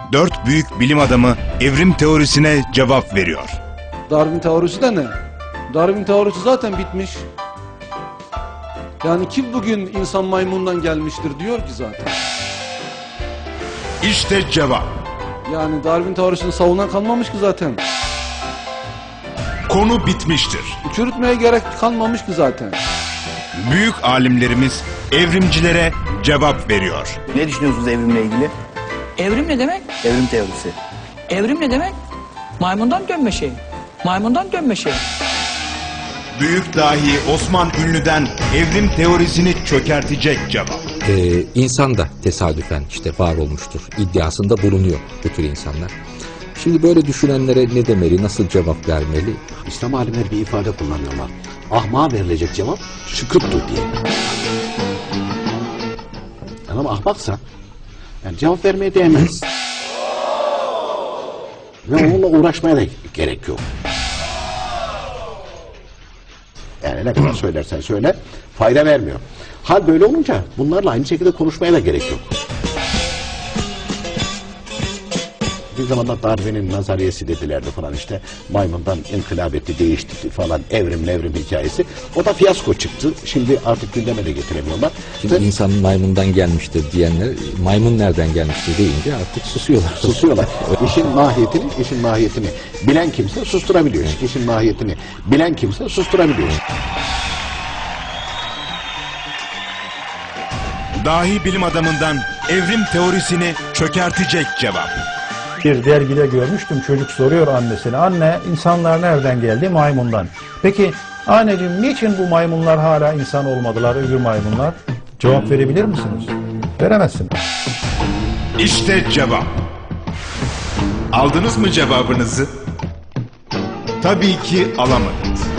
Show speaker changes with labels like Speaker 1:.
Speaker 1: 4 büyük bilim adamı evrim teorisine cevap veriyor.
Speaker 2: Darwin teorisi de ne? Darwin teorisi zaten bitmiş. Yani kim bugün insan maymundan gelmiştir diyor ki zaten.
Speaker 1: İşte cevap.
Speaker 2: Yani Darwin teorisini savunan kalmamış ki zaten.
Speaker 1: Konu bitmiştir.
Speaker 2: Çürütmeye gerek kalmamış ki zaten.
Speaker 1: Büyük alimlerimiz evrimcilere cevap veriyor.
Speaker 3: Ne düşünüyorsunuz evrimle ilgili?
Speaker 4: Evrim ne demek?
Speaker 3: Evrim teorisi.
Speaker 4: Evrim ne demek? Maymundan dönme şey. Maymundan dönme şey.
Speaker 1: Büyük dahi Osman Ünlü'den evrim teorisini çökertecek cevap.
Speaker 5: İnsan da tesadüfen işte var olmuştur iddiasında bulunuyor bu tür insanlar. Şimdi böyle düşünenlere ne demeli, nasıl cevap vermeli?
Speaker 6: İslam alimleri bir ifade kullanıyorlar. Ahmağa verilecek cevap şıkıptır diye. Yani ama ahmaksa yani cevap vermeye değmez. Ve onunla uğraşmaya da gerek yok. Yani ne kadar söylersen söyle fayda vermiyor. Hal böyle olunca bunlarla aynı şekilde konuşmaya da gerek yok. Bir zamanlar Darwin'in nazariyesi dedilerdi falan işte maymundan inkılap etti, değişti falan evrim hikayesi. O da fiyasko çıktı. Şimdi artık gündeme de getiremiyorlar.
Speaker 5: Şimdi insan maymundan gelmiştir diyenler maymun nereden gelmiştir deyince artık susuyorlar.
Speaker 6: Susuyorlar. İşin mahiyetini bilen kimse susturabiliyor. İşin mahiyetini bilen kimse susturabiliyor.
Speaker 1: Dahi bilim adamından evrim teorisini çökertecek cevap.
Speaker 7: Bir dergide görmüştüm, çocuk soruyor annesine, anne insanlar nereden geldi? Maymundan. Peki anneciğim niçin bu maymunlar hala insan olmadılar, öbür maymunlar? Cevap verebilir misiniz? Veremezsiniz.
Speaker 1: İşte cevap. Aldınız mı cevabınızı? Tabii ki alamadınız.